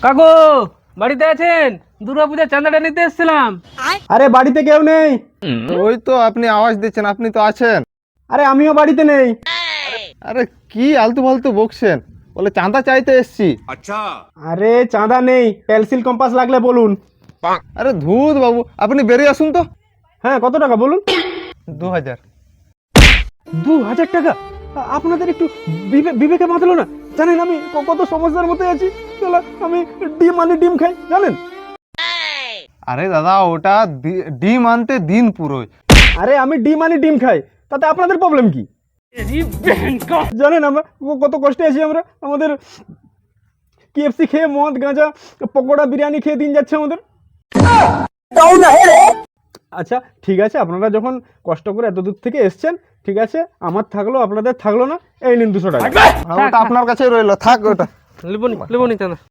কাকু বাড়িতে আছেন? দুর্গাপূজার চাঁদাটা নিতে এসেছিলাম। আরে বাড়িতে কেউ নেই। ওই তো আপনি আওয়াজ দিচ্ছেন, আপনি তো আছেন। আরে আমিও বাড়িতে নেই। আরে কি আলতু ফালতু বকছেন, বলে চাঁদা চাইতে এসছি। আরে চাঁদা নেই, পেন্সিল কম্পাস লাগলে বলুন। আরে ধুত বাবু, আপনি বেরিয়ে আসুন তো। হ্যাঁ কত টাকা বলুন? 2000। 2000 টাকা? আপনাদের একটু বিবেকে বাঁধলো না? জানেন আমি কত সমস্যার মধ্যে আছি। চলো আমি ডিম খাই জানেন। আরে দাদা ওটা ডিম আনতে দিন পুরোই। আরে আমি ডিম খাই, তাতে আপনাদের প্রবলেম কি? জানেন আমরা কত কষ্টে আছি আমরা। আমাদের KFC খেয়ে মদ গাঁজা পকোড়া বিরিয়ানি খেয়ে দিন যাচ্ছে আমাদের। আচ্ছা ঠিক আছে, আপনারা যখন কষ্ট করে এত দূর থেকে এসছেন, ঠিক আছে আমার থাকলো আপনাদের থাকলো না, এই নিন 200 টাকা। ওটা আপনার কাছে রইলো, থাক ওটা। লিবনি চাঁদা।